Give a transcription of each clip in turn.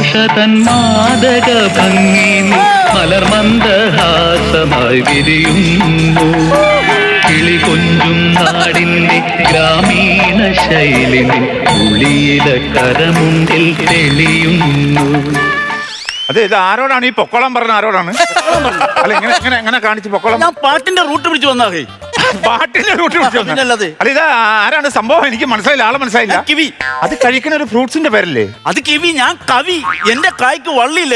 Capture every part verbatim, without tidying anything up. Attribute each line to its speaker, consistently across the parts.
Speaker 1: ഭാഷതൻ മാദക ഭംഗി മലർമന്ദഹാസമായി വിരിയുന്നു. കിളി കൊഞ്ചും നാടിന്റെ ഗ്രാമീണ ശൈലി ഉളിയില കരമുണ്ടിൽ തെളിയുന്നു.
Speaker 2: അതെ, ഇത് ആരോടാണ് ഈ പൊക്കോളം പറഞ്ഞ? ആരോടാണ്? അല്ല, ഇങ്ങനെ എങ്ങനെ എങ്ങനെ കാണിച്ച് പൊക്കോളം?
Speaker 3: ഞാൻ പാട്ടിന്റെ റൂട്ട് പിടിച്ചു വന്നാ.
Speaker 2: പാട്ടിന്റെ റൂട്ട് പിടിച്ചു വന്ന? അല്ല, ഇത് ആരാണ് സംഭവം? എനിക്ക് മനസ്സിലായില്ല, ആളെ മനസ്സിലായില്ല.
Speaker 3: കിവി.
Speaker 2: അത് കഴിക്കുന്ന ഒരു ഫ്രൂട്ട്സിന്റെ പേരല്ലേ?
Speaker 3: അത് കിവി. ഞാൻ കവി. എന്റെ കായ്ക്ക് വള്ളിയില്ല.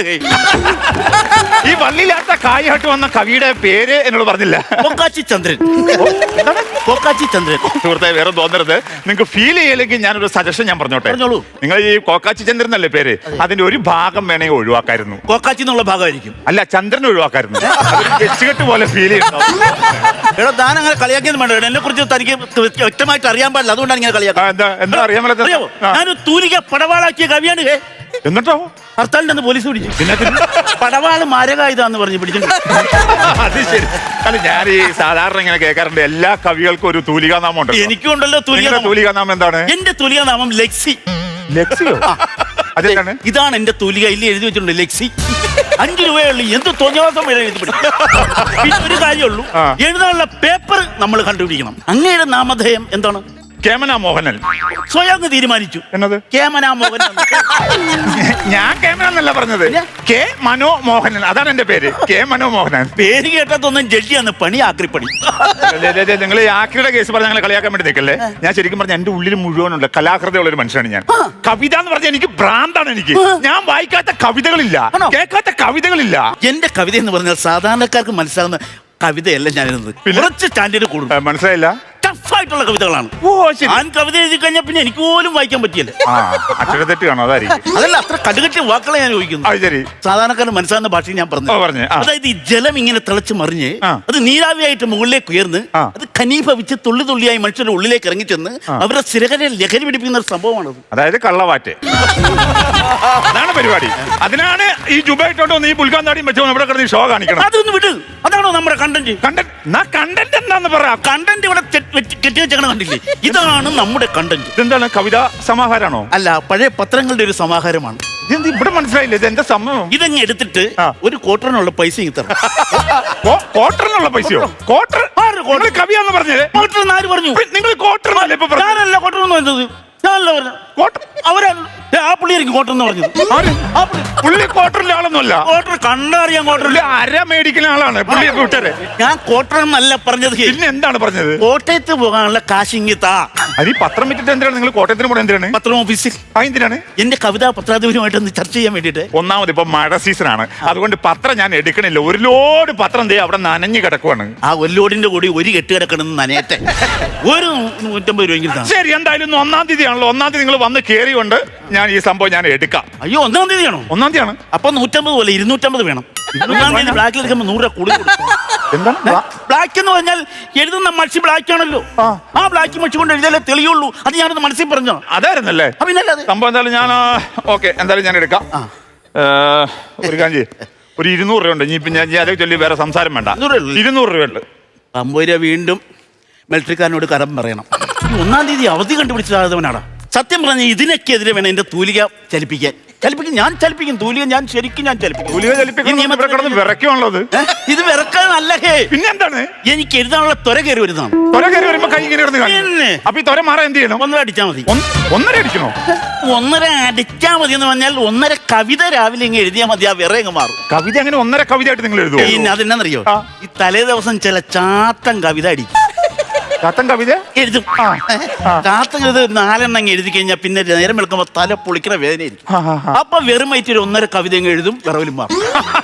Speaker 2: ഈ വള്ളിയില്ലാത്ത കായായിട്ട് വന്ന കവിയുടെ പേര് എന്നോട് പറഞ്ഞില്ല.
Speaker 3: കൊക്കാച്ചി ചന്ദ്രൻ. കൊക്കാച്ചി ചന്ദ്രൻ.
Speaker 2: സുഹൃത്തെ, വേറെ തോന്നരുത്. നിങ്ങൾക്ക് ഫീൽ ചെയ്യില്ലെങ്കിൽ ഞാനൊരു സജഷൻ ഞാൻ പറഞ്ഞോട്ടെ. നിങ്ങൾ ഈ കോക്കാച്ചി ചന്ദ്രൻ എന്നല്ലേ പേര്, അതിന്റെ ഒരു ഭാഗം വേണമെങ്കിൽ ഒഴിവാക്കായിരുന്നു.
Speaker 3: കോക്കാച്ചി എന്നുള്ള ഭാഗമായിരിക്കും.
Speaker 2: അല്ല, ചന്ദ്രൻ ഒഴിവാക്കായിരുന്നു. വെച്ചുകെട്ട് പോലെ ഫീൽ ചെയ്യുന്നു.
Speaker 3: എടോ, താൻ അങ്ങനെ കളിയാക്കിയത് വേണ്ട. എന്നെ കുറിച്ച് തനിക്ക് വ്യക്തമായിട്ട് അറിയാൻ പാടില്ല, അതുകൊണ്ടാണ് ഇങ്ങനെ കളിയാക്കുന്നത്.
Speaker 2: എന്താ അറിയാൻ
Speaker 3: അറിയാമോ? ഞാനൊരു തൂലിക പടവാളാക്കിയ കവിയാണ്.
Speaker 2: എന്നിട്ടോ
Speaker 3: ഹർത്താലിന്റെ പോലീസ് പിടിച്ചു. പടവാള് മാരകായുധാന്ന് പറഞ്ഞ് പിടിച്ചു.
Speaker 2: അത് ശരി. അല്ല, ഞാൻ ഈ സാധാരണ ഇങ്ങനെ കേൾക്കാറുണ്ട്, എല്ലാ കവികൾക്കും ഒരു തൂലികാനാമം ഉണ്ട്.
Speaker 3: എനിക്കും ഉണ്ടല്ലോ തൂലിക.
Speaker 2: തൂലികാനാമം എന്താണ്?
Speaker 3: എന്റെ തൂലികാനാമം ലെക്സി.
Speaker 2: ലെക്സിയോ? അതെന്താണ്?
Speaker 3: ഇതാണ് എന്റെ തൂലിക. ഇല്ല, എഴുതി വെച്ചിട്ടുണ്ട് ലെക്സി. അഞ്ചു രൂപയുള്ളൂ. എന്ത് തോന്നിയാസം വരെ എഴുതി പിടിക്കും. പിന്നെ ഒരു കാര്യമുള്ളൂ, എഴുതാനുള്ള പേപ്പർ നമ്മൾ കണ്ടുപിടിക്കണം. അങ്ങയുടെ നാമധേയം എന്താണ്?
Speaker 2: കേമന മോഹനൻ.
Speaker 3: സ്വയം തീരുമാനിച്ചു
Speaker 2: എന്നത്?
Speaker 3: കേമന മോഹനൻ.
Speaker 2: ഞാൻ കേമന എന്നല്ല പറഞ്ഞത്, കെ മനോ മോഹനൻ. അതാണ് എന്റെ പേര്, കെ മനോ മോഹനൻ.
Speaker 3: പേര് കേട്ടതൊന്നും ജഡ്ജിയാന്ന്. പണി ആക്രിപ്പണി.
Speaker 2: നിങ്ങൾ ഈ ആക്രിയുടെ കേസ് പറഞ്ഞ ഞങ്ങളെ കളിയാക്കാൻ വേണ്ടി നിൽക്കല്ലേ. ഞാൻ ശരിക്കും പറഞ്ഞ എന്റെ ഉള്ളിൽ മുഴുവനുള്ള കലാകൃതിയുള്ള ഒരു മനുഷ്യനാണ് ഞാൻ. കവിത എന്ന് പറഞ്ഞാൽ എനിക്ക് ഭ്രാന്താണ്. എനിക്ക് ഞാൻ വായിക്കാത്ത കവിതകളില്ല, കേൾക്കാത്ത കവിതകളില്ല.
Speaker 3: എന്റെ കവിത എന്ന് പറഞ്ഞാൽ സാധാരണക്കാർക്ക് മനസ്സിലാകുന്ന കവിതയല്ല ഞാൻ എഴുതുന്നത്. കുറച്ച് സ്റ്റാൻഡേർഡ് കൂടും.
Speaker 2: മനസ്സിലായില്ല?
Speaker 3: ടഫായിട്ടുള്ള കവിതകളാണ്.
Speaker 2: ഓ ശരി.
Speaker 3: ഞാൻ കവിത എഴുതി കഴിഞ്ഞാൽ പിന്നെ എനിക്ക് പോലും വായിക്കാൻ പറ്റിയല്ല.
Speaker 2: അക്ഷരത്തെറ്റ് കാണോ? അതായിരിക്കും.
Speaker 3: അതല്ല, അത്ര കടുകട്ടിയ വാക്കുകളെ ഞാൻ ചോദിക്കുന്നു. സാധാരണക്കാരന് മനസ്സിലാകുന്ന ഭാഷയിൽ ഞാൻ പറഞ്ഞു. അതായത് ഈ ജലം ഇങ്ങനെ തിളച്ച് മറിഞ്ഞ് അത് നീരാവിയായിട്ട് മുകളിലേക്ക് ഉയർന്ന് അത് ഖനീഭവിച്ച് തുള്ളി തുള്ളിയായി മനുഷ്യരുടെ ഉള്ളിലേക്ക് ഇറങ്ങിച്ചെന്ന് അവരുടെ സ്ഥിരകരെ ലഹരി പിടിപ്പിക്കുന്ന ഒരു സംഭവമാണത്.
Speaker 2: അതായത് കള്ളവാറ്റ്. അതാണ് പരിപാടി. അതിനാണ് ഈ ജുബായിട്ടോട്ട് വന്ന് ഈ പുൽക്കാന്താടിയും വെച്ചോ ഇവിടെ കിടന്ന് ഷോ കാണിക്കണം.
Speaker 3: അതൊന്ന് വിട്. അതാണോ നമ്മുടെ കണ്ടന്റ്?
Speaker 2: കണ്ടന്റ് എന്താന്ന് പറ.
Speaker 3: കണ്ടന്റ് ഇവിടെ കെട്ടി വെച്ചേക്കണ കണ്ടില്ലേ? ഇതാണ് നമ്മുടെ കണ്ടന്റ്.
Speaker 2: ഇതെന്താണ്? കവിതാ സമാഹാരമാണോ?
Speaker 3: അല്ല, പഴയ പത്രങ്ങളുടെ ഒരു സമാഹാരമാണ്.
Speaker 2: ഇതെന്ത് ഇവിടെ മനസ്സിലായില്ല? ഇത് എന്താ സംഭവം?
Speaker 3: ഇതങ്ങ് എടുത്തിട്ട് ഒരു ക്വാർട്ടറിനുള്ള പൈസ തരണം.
Speaker 2: ക്വാർട്ടറിനുള്ള പൈസയോ? ക്വാർട്ടർ കവിയാന്ന് പറഞ്ഞത്?
Speaker 3: ക്വാർട്ടർ ആര് പറഞ്ഞു?
Speaker 2: നിങ്ങൾ ക്വാർട്ടർ
Speaker 3: ഞാനല്ല ക്വാർട്ടർ എന്ന് പറഞ്ഞത്. ഞാനല്ല പറഞ്ഞത്. അവരാണ് ആ പുള്ളിയായിരിക്കും ക്വാർട്ടർ എന്ന് പറഞ്ഞത്.
Speaker 2: പുള്ളി ക്വാർട്ടറിലെ ആളൊന്നുമല്ല.
Speaker 3: ക്വാർട്ടർ കണ്ടറിയാൻ ക്വാർട്ടറിൽ
Speaker 2: അര മേടിക്കുന്ന ആളാണ് പുള്ളി. കൂട്ടരെ
Speaker 3: ഞാൻ ക്വാർട്ടർ എന്നല്ല പറഞ്ഞത്.
Speaker 2: പിന്നെ എന്താണ് പറഞ്ഞത്?
Speaker 3: കോട്ടയത്ത് പോകാനുള്ള കാശിങ്ങി താ.
Speaker 2: അത് ഈ പത്രം വിറ്റിട്ട് എന്തിനാണ് നിങ്ങൾ കോട്ടയത്തിന് പോകണം? എന്തിനാണ്?
Speaker 3: പത്രം ഓഫീസിൽ.
Speaker 2: എന്തിനാണ്?
Speaker 3: എന്റെ കവിതാ പത്രാധിപരുമായിട്ട് ഒന്ന് ചർച്ച ചെയ്യാൻ വേണ്ടിട്ട്.
Speaker 2: ഒന്നാമത് ഇപ്പൊ മഴ സീസൺ ആണ്, അതുകൊണ്ട് പത്രം ഞാൻ എടുക്കണില്ല. ഒരു ലോഡ് പത്രം ദേ അവിടെ നനഞ്ഞു കിടക്കുവാണ്.
Speaker 3: ആ ഒരു ലോഡിന്റെ കൂടി ഒരു കെട്ട് കിടക്കണമെന്ന് നനയട്ടെ. ഒരു നൂറ്റമ്പത് രൂപ.
Speaker 2: ശരി, എന്തായാലും ഒന്നാം തീയതി ആണല്ലോ. ഒന്നാം തീയതി നിങ്ങൾ വന്ന് കയറിയുണ്ട് ഞാൻ ഈ സംഭവം ഞാൻ എടുക്കാം.
Speaker 3: അയ്യോ, ഒന്നാം തീയതിയാണോ?
Speaker 2: ഒന്നാം തീയതിയാണ്.
Speaker 3: അപ്പൊ നൂറ്റമ്പത് പോലെ ഇരുന്നൂറ്റമ്പത് വേണം. ബ്ലാക്കിൽ എടുക്കുമ്പോൾ നൂറ് രൂപ കൂടി.
Speaker 2: എന്താണ്
Speaker 3: ബ്ലാക്ക് എന്ന് പറഞ്ഞാൽ എഴുതുന്ന മഷി ബ്ലാക്ക് ആണല്ലോ. ആ ബ്ലാക്ക് മഷി കൊണ്ട് എഴുതിയാലേ തെളിയുള്ളൂ. അത് ഞാനൊന്ന് മനസ്സിൽ പറഞ്ഞോ.
Speaker 2: അതായിരുന്നല്ലേ സംഭവം? എന്തായാലും ഞാൻ ഓക്കെ, എന്തായാലും ഞാൻ എടുക്കാം. ഒരു കാഞ്ചി ഒരു ഇരുന്നൂറ് രൂപ ഉണ്ട്. ഇനി ഇപ്പം ഞാൻ അതേ ചൊല്ലി വേറെ സംസാരം വേണ്ട. ഇരുന്നൂറ് രൂപ ഉണ്ട്.
Speaker 3: അമ്പത് രൂപ വീണ്ടും മിലിറ്ററിക്കാരനോട് കടം പറയണം. ഒന്നാം തീയതി അവധി കണ്ടുപിടിച്ചതായവനാണ്. സത്യം പറഞ്ഞാൽ ഇതിനൊക്കെതിരെ വേണം എന്റെ തൂലിക ചലിപ്പിക്കാൻ. ചലിപ്പിക്കും, ഞാൻ ചലിപ്പിക്കും. തൂലിക ഞാൻ ശരിക്കും ഞാൻ ചലിപ്പിക്കും.
Speaker 2: വിറയ്ക്കുള്ളത്
Speaker 3: ഇത് വിറക്കാനല്ല. ഹേ,
Speaker 2: പിന്നെ എന്താണ്?
Speaker 3: എനിക്ക് എഴുതാനുള്ള ത്വര കയറി വരുന്നതാണ്.
Speaker 2: ത്വര കയറി വരുമ്പോ കൈ ഇങ്ങനെ അപ്പൊ ഈ ത്വര മാറാൻ എന്ത് ചെയ്യണം?
Speaker 3: ഒന്നര അടിച്ചാൽ മതി.
Speaker 2: ഒന്നര അടിക്കണോ?
Speaker 3: ഒന്നര അടിച്ചാൽ മതി എന്ന് പറഞ്ഞാൽ ഒന്നര കവിത രാവിലെ ഇങ്ങനെ എഴുതിയാൽ മതി. ആ വിറ അങ്ങ് മാറും.
Speaker 2: കവിത അങ്ങനെ ഒന്നര കവിത ആയിട്ട് നിങ്ങൾ എഴുതുമോ?
Speaker 3: പിന്നെ അതെന്നറിയോ, ഈ തലേ ദിവസം ചില ചാത്തൻ കവിത അടിക്കും.
Speaker 2: ചാത്തൻ കവിത
Speaker 3: എഴുതും. ചാത്തൻ കവിത നാലെണ്ണം എഴുതി കഴിഞ്ഞാൽ പിന്നെ നേരം വെളുക്കുമ്പോ തല പൊളിക്കണ വേദനയായിരിക്കും. അപ്പൊ വെറും വയറ്റിൽ ഒരു ഒന്നര കവിത എഴുതും, വിറവിലും മാറും.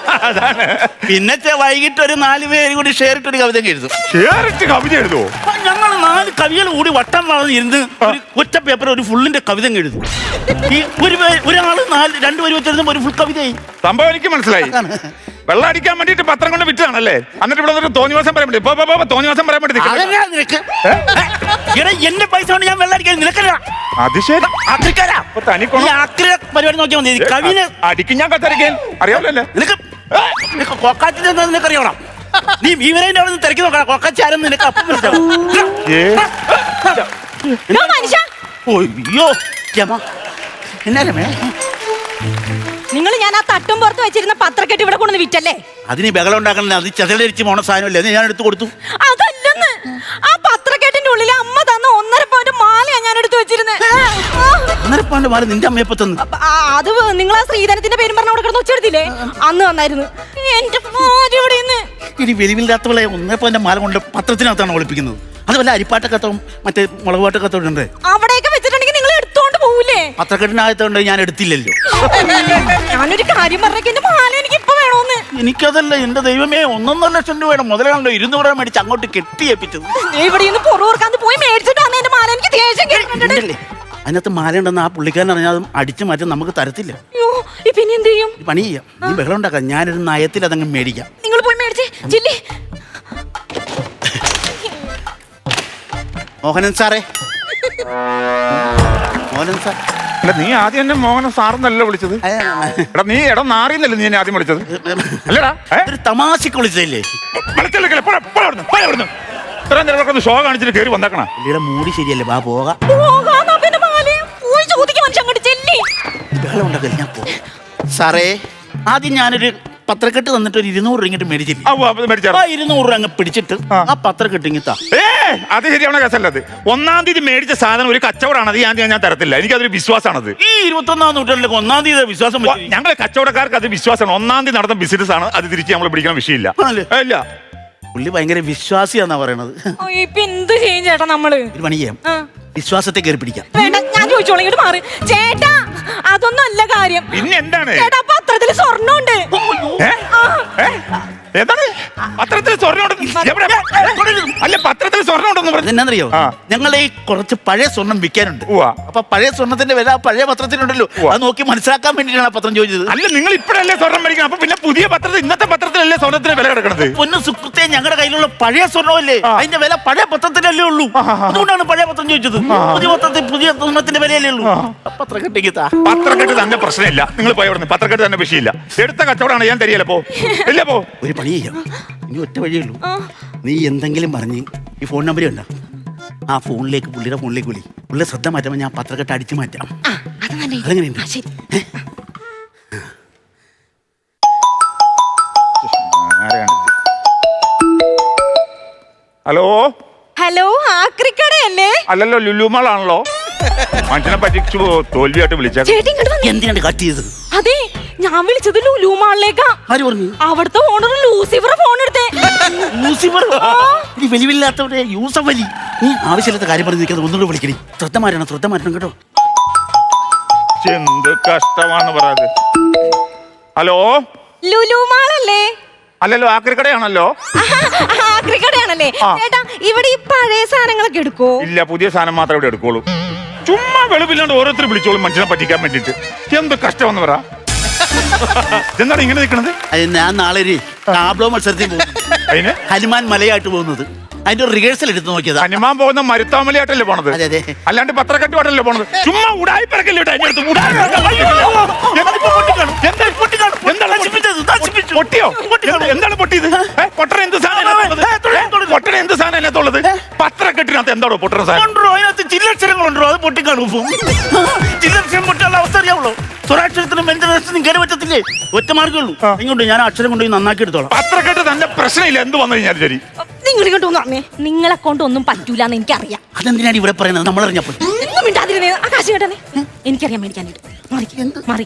Speaker 3: പിന്നെ വൈകിട്ട് ഒരു നാല് പേര് കൂടി ഷെയർ ഇട്ടൊരു കവിത എഴുതും.
Speaker 2: കവിത എഴുതുമോ?
Speaker 3: ഞങ്ങൾ നാല് കവികൾ കൂടി വട്ടം വളർന്നിരുന്ന് ഒരു ഒറ്റ പേപ്പർ ഒരു ഫുള്ളിന്റെ കവിത എഴുതും. ഈ ഒരു ഒരാള് നാല് രണ്ടുപേര് വെച്ചെഴുതുമ്പോ ഒരു ഫുൾ കവിതയായി.
Speaker 2: സംഭവം എനിക്ക് മനസ്സിലായി. വെള്ളം അടിക്കാൻ വേണ്ടിട്ട് പത്രം കൊണ്ട് വിറ്റാണല്ലേ? എന്നിട്ട് ഇവിടെ തോന്നിവാസം പറയാൻ വേണ്ടി തോന്നിവാസം പറയാൻ വേണ്ടി
Speaker 3: എന്റെ പൈസ കൊണ്ട് ഞാൻ വെള്ളം അടിക്കാൻ നിനക്കല്ല.
Speaker 2: അത് ശരി.
Speaker 3: പരിപാടി നോക്കിയാൽ മതി. കവിനെ
Speaker 2: അടിക്കും ഞാൻ കത്തരക്കാൻ അറിയാമല്ലോ.
Speaker 3: നിനക്ക് കൊക്കാച്ചിന്റെ നിനക്ക് അറിയണം. നീ ഭീമനേന്റെ അവിടെ നിന്ന് തിരക്കി നോക്കണം. കൊക്കാച്ചി ആരെന്ന് നിനക്ക് അപ്പം അയ്യോ എന്നാ
Speaker 4: നിങ്ങൾ ഞാൻ ആ തട്ടും പുറത്ത് വെച്ചിരുന്ന പത്രക്കെട്ട് ഇവിടെ കൊണ്ടുവന്ന് വിറ്റല്ലേ?
Speaker 3: അതിന് ബഹളം ഉണ്ടാക്കണേ, അത് ചെതലരിച്ച് പോണ സാധനമല്ലേ, അത് ഞാൻ എടുത്തു കൊടുത്തു.
Speaker 4: അതല്ലെന്ന്, ആ പത്രക്കെട്ടിന്റെ ഉള്ളിൽ അമ്മ തന്ന ഒന്നര പവന്റെ മാലയാ ഞാൻ എടുത്തു വെച്ചിരുന്നത്.
Speaker 3: ഒന്നര പവന്റെ മാല നിന്റെ അമ്മയപ്പ തന്നു?
Speaker 4: അത് നിങ്ങൾ ആ ശ്രീധരത്തിന്റെ പേരും പറഞ്ഞ അവിടെ കിടന്ന് ഒച്ചെടുത്തില്ലേ, അന്ന് വന്നായിരുന്നു. എന്റെ ഇവിടെ
Speaker 3: ഇനി വെളിവില്ലാത്തവളെ ഒന്നര പവന്റെ മാല കൊണ്ട് പത്രത്തിനകത്താണ് ഒളിപ്പിക്കുന്നത്. അതുപോലെ അരിപ്പാട്ടക്കത്തവും മറ്റേ മുളകുപാട്ടക്കത്തോണ്ട്
Speaker 4: അവിടെയൊക്കെ വെച്ചിട്ടുണ്ടെങ്കിൽ നിങ്ങൾ എടുത്തോണ്ട് പോകൂലേ?
Speaker 3: പത്രക്കെട്ടിനകത്തോണ്ട് ഞാൻ എടുത്തില്ലല്ലോ.
Speaker 4: ഞാനൊരു കാര്യം പറഞ്ഞേക്ക്, എന്റെ മാല എനിക്ക് ഇപ്പൊ വേണോന്ന്.
Speaker 3: എനിക്കതല്ല, എന്റെ ദൈവമേ, ഒന്നൊന്നര ലക്ഷം രൂപയുടെ മുതലാണല്ലോ ഇരുന്നൂറ് രൂപ മേടിച്ച് അങ്ങോട്ട് കെട്ടിയേപ്പിച്ചത്.
Speaker 4: ഇവിടെ നിന്ന് പുറകോർക്കാന്ന് പോയി മേടിച്ചിട്ട് വന്ന എന്റെ മാല എനിക്ക് ദേഷ്യം കേട്ടിട്ടുണ്ടല്ലേ.
Speaker 3: അതിനകത്ത് മാല ഉണ്ടെന്ന് ആ പുള്ളിക്കാരൻ അറിഞ്ഞാൽ അതും അടിച്ചു മാറ്റാൻ നമുക്ക് തരത്തില്ല.
Speaker 4: പിന്നെ എന്ത് ചെയ്യും?
Speaker 3: പണി ചെയ്യാം, നീ ബഹളം ഉണ്ടാക്കാം, ഞാനൊരു നയത്തിൽ അതങ്ങ് മേടിക്കാം.
Speaker 4: നിങ്ങൾ പോയി മേടിച്ചേ ജില്ലി.
Speaker 3: മോഹനൻ സാറേ, മോഹനൻ സാർ.
Speaker 2: അല്ല, നീ ആദ്യം എന്നെ മോഹന സാറെന്നല്ല വിളിച്ചത്. എടാ നീ എടാ നാറിന്നല്ലേ നീ എന്നെ ആദ്യം വിളിച്ചത്? അല്ലടാ,
Speaker 3: ഒരു തമാശക്ക് വിളിച്ചതല്ലേ?
Speaker 2: ഇത്രയും നേരം ഷോ കാണിച്ചിട്ട് കയറി വന്നേക്കണ.
Speaker 3: പുള്ളിയുടെ മൂടി ശരിയല്ലേ, വാ പോകാം. ബഹളം ഉണ്ടാക്കല്ലേ, ഞാൻ പോ. സാറേ, ആദ്യം ഞാനൊരു പത്രക്കെട്ട് തന്നിട്ട് ഒരു ഇരുന്നൂറ് രൂപ ഇങ്ങോട്ട് മേടിച്ചില്ല. ആ ഇരുന്നൂറ് രൂപ അങ്ങ് പിടിച്ചിട്ട് ആ പത്രക്കെട്ട് ഇങ്ങിത്താ.
Speaker 2: ഏ അത് ശരിയാവണ കേസല്ലത്. ഒന്നാം തീയതി മേടിച്ച സാധനം ഒരു കച്ചവടമാണ്, അത് ഞാൻ ഞാൻ തരത്തില്ല. എനിക്കതൊരു വിശ്വാസമാണത്.
Speaker 3: ഈ ഇരുപത്തി ഒന്നാം നൂറ്റാണ്ടിലേക്ക് ഒന്നാം തീയതി വിശ്വാസം,
Speaker 2: ഞങ്ങളെ കച്ചവടക്കാർക്ക് അത് വിശ്വാസമാണ്. ഒന്നാം തീയതി നടന്ന ബിസിനസ് ആണ്, അത് തിരിച്ച് നമ്മൾ പിടിക്കുന്ന വിഷയമില്ല. ഇല്ല,
Speaker 3: പുള്ളി ഭയങ്കര വിശ്വാസിയാന്നാ പറയണത്.
Speaker 4: ഇപ്പൊ എന്ത് ചെയ്യും ചേട്ടാ നമ്മള്?
Speaker 3: ഒരു പണി ചെയ്യാം, വിശ്വാസത്തെ കയറി പിടിക്കാം.
Speaker 4: വേണ്ട, ഞാൻ ചോദിച്ചോളൂ, ഇങ്ങോട്ട് മാറി. ചേട്ടാ അതൊന്നും അല്ല കാര്യം.
Speaker 2: പിന്നെ എന്താണ്?
Speaker 4: ചേട്ടാ പത്രത്തില് സ്വർണ്ണമുണ്ട്.
Speaker 2: എന്താണ് പത്രത്തിൽ സ്വർണ്ണം അല്ല, പത്രത്തിൽ സ്വർണ്ണം ഉണ്ടെന്ന് പറഞ്ഞു.
Speaker 3: എന്നാന്നറിയോ, ഞങ്ങൾ ഈ കുറച്ച് പഴയ സ്വർണം വിൽക്കാനുണ്ട്. അപ്പൊ പഴയ സ്വർണത്തിന്റെ വില പഴയ പത്രത്തിലുണ്ടല്ലോ, അത് നോക്കി മനസ്സിലാക്കാൻ വേണ്ടിയിട്ടാണ് പത്രം ചോദിച്ചത്.
Speaker 2: അല്ല, നിങ്ങൾ ഇപ്പഴല്ലേ സ്വർണം മേടിക്കണം, അപ്പൊ പിന്നെ പുതിയ പത്രത്തിൽ ഇന്നത്തെ പത്രത്തിലല്ലേ സ്വർണത്തിന് വില കിടക്കുന്നത്?
Speaker 3: പൊന്നു സുഹൃത്തെ, ഞങ്ങളുടെ കയ്യിലുള്ള പഴയ സ്വർണ്ണമല്ലേ, അതിന്റെ വില പഴയ പത്രത്തിലല്ലേ ഉള്ളൂ. അതുകൊണ്ടാണ് പഴയ പത്രം ചോദിച്ചത്. പുതിയ പത്രത്തിൽ പുതിയ സ്വർണത്തിന്റെ വിലയല്ലേ ഉള്ളൂ. പത്രക്കെട്ടിക്ക്
Speaker 2: പത്രക്കെട്ട് തന്നെ പ്രശ്നമില്ല, നിങ്ങൾ പോയി അവിടെ നിന്ന്. പത്രക്കെട്ട് തന്നെ വിഷയമില്ല, എടുത്ത കച്ചവടമാണ്, ഞാൻ തരികയല്ല. പോ, ഇല്ല പോ.
Speaker 3: ഒരു പണി ചെയ്യാം, ഇനി ഒറ്റ വഴിയുള്ളൂ. നീ എന്തെങ്കിലും പറഞ്ഞ് ഈ ഫോൺ നമ്പർ ഉണ്ടോ, ആ ഫോണിലേക്ക് പുള്ളിയുടെ ഫോണിലേക്ക് വിളി. പുള്ളിയെ ശ്രദ്ധ മാറ്റുമ്പോൾ ഞാൻ പത്രക്കെട്ട് അടിച്ചു മാറ്റാം. അതെങ്ങനെയുണ്ട്?
Speaker 2: ഹലോ
Speaker 4: ഹലോ, ആക്രിക്കടയല്ലേ?
Speaker 2: അല്ലല്ലോ, ലുലുമാളാണല്ലോ. മനുഷ്യനെ പറ്റിച്ചു തോൽവിയായിട്ട് വിളിച്ചത്.
Speaker 3: എന്തിനാണ് കട്ട് ചെയ്തത്?
Speaker 4: അതെ, ഞാൻ വിളിച്ചത് ലുലു മാളിലേക്കാ.
Speaker 3: ആര് പറഞ്ഞു?
Speaker 4: അവിടുത്തെ ഓണർ ലൂസിഫർ ഫോൺ എടുത്തേ.
Speaker 3: ലൂസിഫർ വലിവില്ലാത്തവരെ യൂസഫ് വലി. നീ ആവശ്യമില്ലാത്ത കാര്യം പറഞ്ഞ് നിൽക്കുന്നത് ഒന്നുകൂടെ വിളിക്കണി. ശ്രദ്ധ മാറ്റണം, ശ്രദ്ധ മാറ്റണം കേട്ടോ.
Speaker 2: എന്ത് കഷ്ടമാണ് പറയാത്. ഹലോ,
Speaker 4: ലുലു മാളല്ലേ?
Speaker 2: അല്ലല്ലോ, ആക്രിക്കടയാണല്ലോ.
Speaker 4: ആക്രിക്കടയാണല്ലേ ചേട്ടാ? ഇവിടെ ഈ പഴയ സാധനങ്ങളൊക്കെ എടുക്കോ?
Speaker 2: ഇല്ല, പുതിയ സാധനം മാത്രമേ ഇവിടെ എടുക്കുള്ളൂ. ചുമ്മാ വെളുപ്പില്ലാണ്ട് ഓരോരുത്തർ വിളിച്ചോളും മനുഷ്യനെ പറ്റിക്കാൻ വേണ്ടിട്ട്. എന്ത് കഷ്ടമെന്ന് പറ. എന്താണ് ഇങ്ങനെ നിൽക്കണത്?
Speaker 3: ഞാൻ നാളെ ഒരു ടാബ്ലോ മത്സരത്തിൽ പോകും.
Speaker 2: അതിന്
Speaker 3: ഹനുമാൻ മലയായിട്ട് പോകുന്നത്, അതിന്റെ ഒരു റിഹേഴ്സൽ എടുത്ത് നോക്കിയത്.
Speaker 2: ഹനുമാൻ പോകുന്ന മരുത്താമലയായിട്ടല്ലേ പോണത്, അല്ലാണ്ട് പത്രക്കെട്ടുപാട്ടല്ലേ പോണത്. ചുമ്മാ ഉടായി പിറക്കല്ലേ പൊട്ടിയോ? എന്താണ് പൊട്ടിയത്? പൊട്ടണ എന്ത് സാധനം, പൊട്ടണ എന്ത് സാധനം അതിനകത്തുള്ളത്? പത്രക്കെട്ടിനകത്ത് എന്താണോ പൊട്ടണ സാധനം?
Speaker 3: അതിനകത്ത് ചില്ലക്ഷരങ്ങളുണ്ടോ, അത് പൊട്ടിക്കാണും. ചില്ലക്ഷരം പൊട്ടാനുള്ള അവസ്ഥ അറിയാവുള്ളൂ. സ്വരാക്ഷരത്തിനും വ്യഞ്ജനാക്ഷരത്തിനും കയറി പറ്റത്തില്ലേ? ഒറ്റ മാർഗ്ഗമുള്ളൂ. ഇങ്ങോട്ട് ഞാൻ അക്ഷരം കൊണ്ടുപോയി നന്നാക്കി എടുത്തോളാം.
Speaker 2: പത്രക്കെട്ട് തന്നെ പ്രശ്നമില്ല, എന്ത് വന്നു കഴിഞ്ഞാൽ ശരി.
Speaker 4: നിങ്ങൾ ഇങ്ങോട്ട് വന്നേ, നിങ്ങളെ കൊണ്ട് ഒന്നും പറ്റൂല എന്ന് എനിക്കറിയാം.
Speaker 3: അതെന്തിനാണ് ഇവിടെ പറയുന്നത്? നമ്മളറിഞ്ഞപ്പോൾ
Speaker 4: ആകാശം കേട്ടേ, എനിക്കറിയാം മേടിക്കാനായിട്ട്. മാറി മാറി.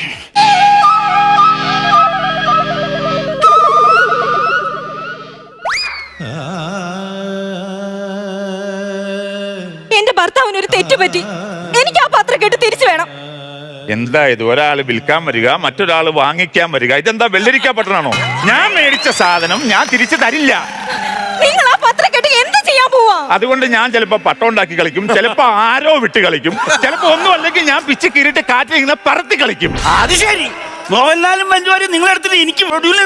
Speaker 4: എന്റെ ഭർത്താവിന് ഒരു തെറ്റ് പറ്റി, എനിക്ക് ആ പത്രക്കെട്ട് തിരിച്ചു വേണം.
Speaker 2: എന്താ ഇത്? ഒരാള് വിൽക്കാൻ വരിക, മറ്റൊരാള് വാങ്ങിക്കാൻ വരിക. ഇതെന്താ വെള്ളരിക്കാൻ പറ്റണോ? ഞാൻ മേടിച്ച സാധനം ഞാൻ തിരിച്ചു തരില്ല.
Speaker 4: നിങ്ങൾ ആ പത്രക്കെട്ട് എന്ത് ചെയ്യാൻ പോവാ?
Speaker 2: അതുകൊണ്ട് ഞാൻ ചിലപ്പോ പട്ടം ഉണ്ടാക്കി കളിക്കും, ചിലപ്പോ ആരോ വിട്ട് കളിക്കും, ചിലപ്പോ ഒന്നും അല്ലെങ്കിൽ ഞാൻ പിച്ച് കീറിട്ട് കാറ്റിൽ ഇങ്ങനെ പറത്തി കളിക്കും.
Speaker 3: അത് ശരി. മോഹൻലാലും മഞ്ജുവാരും നിങ്ങളെടുത്തിട്ട് എനിക്ക്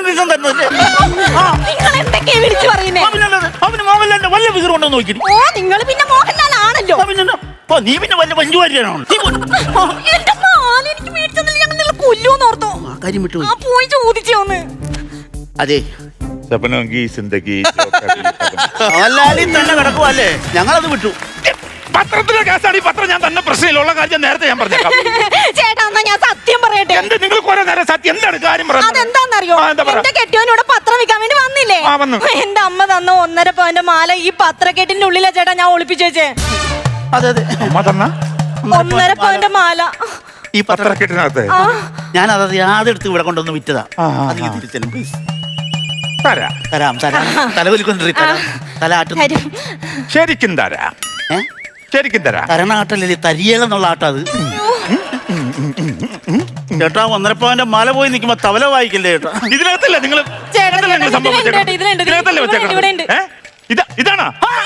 Speaker 3: അവന് മോഹൻലാലിന്റെ വല്ല വിഗ്രഹം ഉണ്ടോ നോക്കി.
Speaker 4: ഓ, നിങ്ങൾ പിന്നെ മോഹൻലാൽ ആണല്ലോ.
Speaker 3: നീ പിന്നെ വല്ല മഞ്ജുവാരിയാണോ?
Speaker 4: എനിക്ക് മേടിച്ചതിൽ ഞങ്ങൾ നിങ്ങൾ കൊല്ലുമെന്ന് ഓർത്തോ?
Speaker 3: ആ കാര്യം വിട്ടു
Speaker 4: പോയി ചോദിച്ചോന്ന്.
Speaker 3: അതെ, മോഹൻലാലിൽ തന്നെ കിടക്കുവല്ലേ, ഞങ്ങളത് വിട്ടു.
Speaker 2: പത്രത്തിലെ കേസാണ് ഈ പത്രം. ഞാൻ തന്നെ പ്രശ്നമില്ല, ഉള്ള കാര്യം നേരത്തെ ഞാൻ പറഞ്ഞേക്കാം.
Speaker 4: ചേട്ടാ തന്നാ ഞാൻ സത്യം പറയട്ടെ.
Speaker 2: എന്ത് നിങ്ങൾ കുറെ നേരം സത്യം എന്താണ് കാര്യം പറയുന്നത്?
Speaker 4: അതെന്താന്നറിയോ?
Speaker 2: ആ, എന്താ പറ?
Speaker 4: എന്റെ കെട്ടിയോനോട് പത്രം വിൽക്കാൻ വേണ്ടി വന്നില്ലേ?
Speaker 2: ആ, വന്നു.
Speaker 4: എന്റെ അമ്മ തന്ന ഒന്നര പവന്റെ മാല ഈ പത്രക്കെട്ടിന്റെ ഉള്ളിലെ ചേട്ടാ ഞാൻ ഒളിപ്പിച്ചു വെച്ചേ.
Speaker 3: അതെ അതെ
Speaker 2: അമ്മ തന്ന
Speaker 4: ഒന്നര പവന്റെ മാല
Speaker 3: ഈ പത്ര
Speaker 2: പത്രക്കെട്ടിനകത്ത്
Speaker 4: ആ
Speaker 3: ഞാൻ അതത് യാതെടുത്ത് ഇവിടെ കൊണ്ടുവന്ന് വിറ്റതാ.
Speaker 2: ആ, ആ,
Speaker 3: അത്
Speaker 2: ആ.
Speaker 3: തിരിച്ചു തരും പ്ലീസ്.
Speaker 2: തരാം.
Speaker 3: തരാം തരാം തലവലിക്കൊണ്ടിരി തരാം തല ആട്ടുന്നു.
Speaker 4: തരും.
Speaker 2: ശരിക്കും തരാം,
Speaker 3: ഏ
Speaker 2: ശരിക്കും തരാം.
Speaker 3: തരണ ആട്ടല്ലേ തരിയേലെന്നുള്ള ആട്ടം അത്. ചേട്ടാ ഒന്നരപ്പവന്റെ മല പോയി നിൽക്കുമ്പോ തവല വായിക്കല്ലേ ചേട്ടാ.
Speaker 2: ഇതിനകത്തല്ല നിങ്ങൾ
Speaker 4: ചേട്ടാ,
Speaker 2: ഇതിനകത്തല്ലേ നിങ്ങൾ സംഭവം
Speaker 4: ഇതിലുണ്ട്,
Speaker 2: വെച്ചേക്കുന്നത്?
Speaker 4: ഇതിലുണ്ട്,
Speaker 2: ഇതിനകത്തല്ലേ
Speaker 4: ഇവിടെ ഉണ്ട്, ഇവിടെ ഉണ്ട്.
Speaker 2: വെച്ചേക്കുന്നത്? ഏ? ഇതാ ഇതാണോ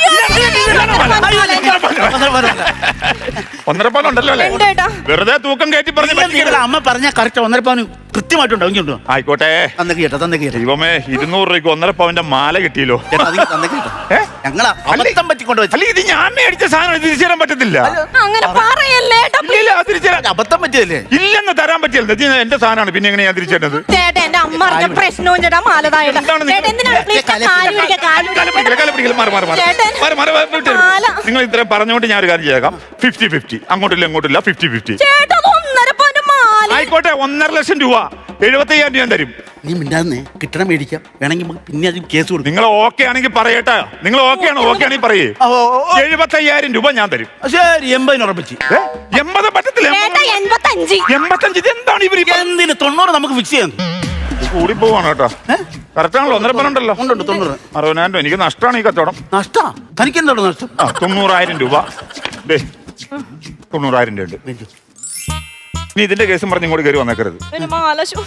Speaker 2: ഒന്നര പവൻ ഉണ്ടല്ലോ അല്ലേ?
Speaker 4: ഉണ്ട് ചേട്ടാ.
Speaker 2: വെറുതെ തൂക്കം കയറ്റി പറഞ്ഞു പറ്റിക്കരുത്.
Speaker 3: അമ്മ പറഞ്ഞ കറക്റ്റ് ഒന്നരപ്പവന് കൃത്യമായിട്ടുണ്ടോ ഇങ്ങോട്ടോ
Speaker 2: ആയിക്കോട്ടെ.
Speaker 3: തന്നേക്ക് ചേട്ടാ തന്നേക്ക് ചേട്ടാ.
Speaker 2: ദൈവമേ, ഇരുന്നൂറ് രൂപയ്ക്ക് ഒന്നര പവന്റെ മാല കിട്ടിയല്ലോ.
Speaker 3: ചേട്ടാ അത് തന്നേക്ക് ചേട്ടാ.
Speaker 2: ഏ?
Speaker 3: ഞങ്ങളാ അബദ്ധം പറ്റിക്കൊണ്ട് വെച്ചു.
Speaker 2: അല്ല, ഇത് ഞാൻ മേടിച്ച സാധനം ഇത് തിരിച്ചു തരാൻ പറ്റത്തില്ല.
Speaker 4: അങ്ങനെ പറയല്ലേ ഏട്ടാ,
Speaker 2: ഇല്ല, ഇല്ല, അത് തിരിച്ചു തരാൻ
Speaker 3: അബദ്ധം പറ്റിയല്ലേ?
Speaker 2: ഇല്ലെന്ന് തരാൻ പറ്റില്ല. ഇത് എന്റെ സാധനമാണ്, പിന്നെ എങ്ങനെ ഞാൻ തിരിച്ചു തരുന്നത്?
Speaker 4: ചേട്ടാ എന്റെ അമ്മ അറിഞ്ഞ പ്രശ്നവും ചേട്ടാ മാലതായിട്ട്.
Speaker 2: എന്താണ് നിങ്ങൾ-
Speaker 4: ചേട്ടാ എന്തിനാണ് please
Speaker 3: കാല്
Speaker 4: കാല് പിടിക്കുക, കാല്
Speaker 2: കാല് പിടിക്കില്ല, കാല് പിടിക്കില്ല. മാറ്, മാറ്, മാറ്.
Speaker 4: ചേട്ടൻ.
Speaker 2: മാറ്, മാറ്, മാറ്, വിട്ട് തരും.
Speaker 4: മാല.
Speaker 2: നിങ്ങൾ ഇത്രയും പറഞ്ഞുകൊണ്ട് ഞാൻ ഒരു കാര്യം ചെയ്തേക്കാം. ഫിഫ്റ്റി ഫിഫ്റ്റി അങ്ങോട്ടില്ല ഇങ്ങോട്ടില്ല ഫിഫ്റ്റി ഫിഫ്റ്റി
Speaker 4: ചേട്ടാ അത് ഒന്നര പവന്റെ മാല.
Speaker 2: ആയിക്കോട്ടെ. ഒന്നര ലക്ഷം രൂപ എഴുപത്തയ്യായിരം രൂപ ഞാൻ തരും.
Speaker 3: നീ മിണ്ടാന്നേ കിട്ടണം മേടിക്കാം. വേണമെങ്കിൽ നമുക്ക് പിന്നെ അത് കേസ് കൊടുക്കും.
Speaker 2: നിങ്ങൾ ഓക്കെ ആണെങ്കിൽ പറയട്ടെ. നിങ്ങൾ ഓക്കെ ആണോ? ഓക്കെ ആണെങ്കിൽ പറയേ.
Speaker 3: ഓ, ഓ, ഓ.
Speaker 2: എഴുപത്തയ്യായിരം രൂപ ഞാൻ തരും.
Speaker 3: ശരി എൺപതിന് ഉറപ്പിച്ച്.
Speaker 2: ഏ? എൺപത് പറ്റത്തില്ല.
Speaker 4: ചേട്ടാ എൺപത്തഞ്ച്.
Speaker 2: എൺപത്തഞ്ച് ഇത് എന്താണ് ഇവർ
Speaker 3: എന്തിന് തൊണ്ണൂറ് നമുക്ക് ഫിക്സ് ചെയ്യാം.
Speaker 2: കൂടി പോവാണ് കേട്ടോ. കറക്റ്റ് ആണല്ലോ. ഒന്നര പവൻ ഉണ്ടല്ലോ.
Speaker 3: ഉണ്ടുണ്ട് തൊണ്ണൂറ്.
Speaker 2: അറുപതിനായിരം രൂപ എനിക്ക് നഷ്ടമാണ് ഈ കച്ചവടം.
Speaker 3: നഷ്ടാ തനിക്ക് എന്താണോ നഷ്ടം?
Speaker 2: ആ തൊണ്ണൂറായിരം രൂപ ദേ, തൊണ്ണൂറായിരം രൂപ ഉണ്ട്. നീ ഇതിന്റെ കേസും പറഞ്ഞ് ഇങ്ങോട്ട് കയറി വന്നേക്കരുത്.
Speaker 4: ഒരു മാല ശോ.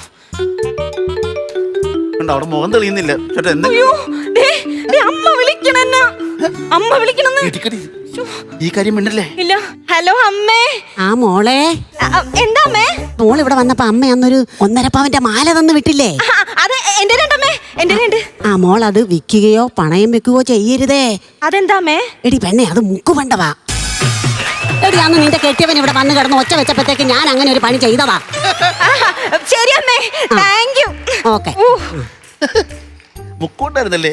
Speaker 3: കണ്ടോ, അവിടെ മുഖം തെളിയുന്നില്ല ചേട്ടാ. എന്താ
Speaker 4: അയ്യോ, ദേ, ദേ അമ്മ വിളിക്കണെന്നാ. അമ്മ വിളിക്കണെന്ന്.
Speaker 3: ഇടിക്കടി. ഈ കാര്യം മിണ്ടല്ലേ?
Speaker 4: ഇല്ല. ഹലോ അമ്മേ.
Speaker 5: ആ മോളെ,
Speaker 4: അ, അ, എന്താ അമ്മേ?
Speaker 5: മോൾ ഇവിടെ വന്നപ്പോ അമ്മ അന്നൊരു ഒന്നര പവന്റെ മാല തന്നു വിട്ടില്ലേ?
Speaker 4: ആ, അത് എന്റെ രണ്ടമ്മേ, എന്റെ രണ്ട്.
Speaker 5: ആ മോൾ അത് വിൽക്കുകയോ പണയം വെക്കുകയോ ചെയ്യരുതേ.
Speaker 4: അതെന്താ അമ്മേ?
Speaker 5: എടി പെണ്ണെ, അത് മുക്കുപണ്ടവാ. എടി അന്ന് നിന്റെ കെട്ടിയവൻ ഇവിടെ വന്ന് കിടന്ന് ഒച്ച വെച്ചപ്പോഴത്തേക്ക് ഞാൻ അങ്ങനെ ഒരു പണി ചെയ്തതാ.
Speaker 4: ആഹാ, ശരി അമ്മേ, താങ്ക് യു.
Speaker 5: ഓക്കെ.
Speaker 3: മുക്കോണ്ടായിരുന്നല്ലേ?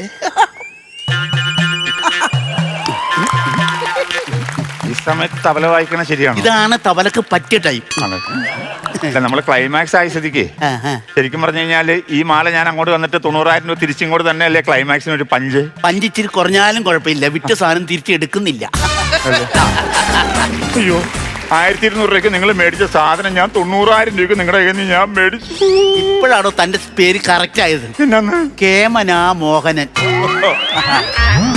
Speaker 2: ഈ സമയത്ത് തബല വായിക്കണ ശരിയാണ്.
Speaker 3: ഇതാണ് തവലക്ക് പറ്റിയ ടൈം.
Speaker 2: നമ്മൾ ക്ലൈമാക്സ് ആയ സ്ഥിതിക്ക് ശരിക്കും പറഞ്ഞു കഴിഞ്ഞാല് ഈ മാല ഞാൻ അങ്ങോട്ട് വന്നിട്ട് തൊണ്ണൂറായിരം രൂപ തിരിച്ചിങ്ങോട്ട് തന്നെ അല്ലേ ക്ലൈമാക്സിന് ഒരു പഞ്ച്.
Speaker 3: പഞ്ചിച്ചിരി കുറഞ്ഞാലും കുഴപ്പമില്ല. വിറ്റ സാധനം തിരിച്ചെടുക്കുന്നില്ല.
Speaker 2: അയ്യോ, ആയിരത്തി ഇരുന്നൂറ് രൂപയ്ക്ക് നിങ്ങൾ മേടിച്ച സാധനം ഞാൻ തൊണ്ണൂറായിരം രൂപയ്ക്ക് നിങ്ങളുടെ കയ്യിൽ നിന്ന് ഞാൻ മേടിച്ചു.
Speaker 3: ഇപ്പോഴാണോ തന്റെ പേര് കറക്റ്റ് ആയത്?
Speaker 2: പിന്നെന്ന്
Speaker 3: കേമനാ മോഹനൻ.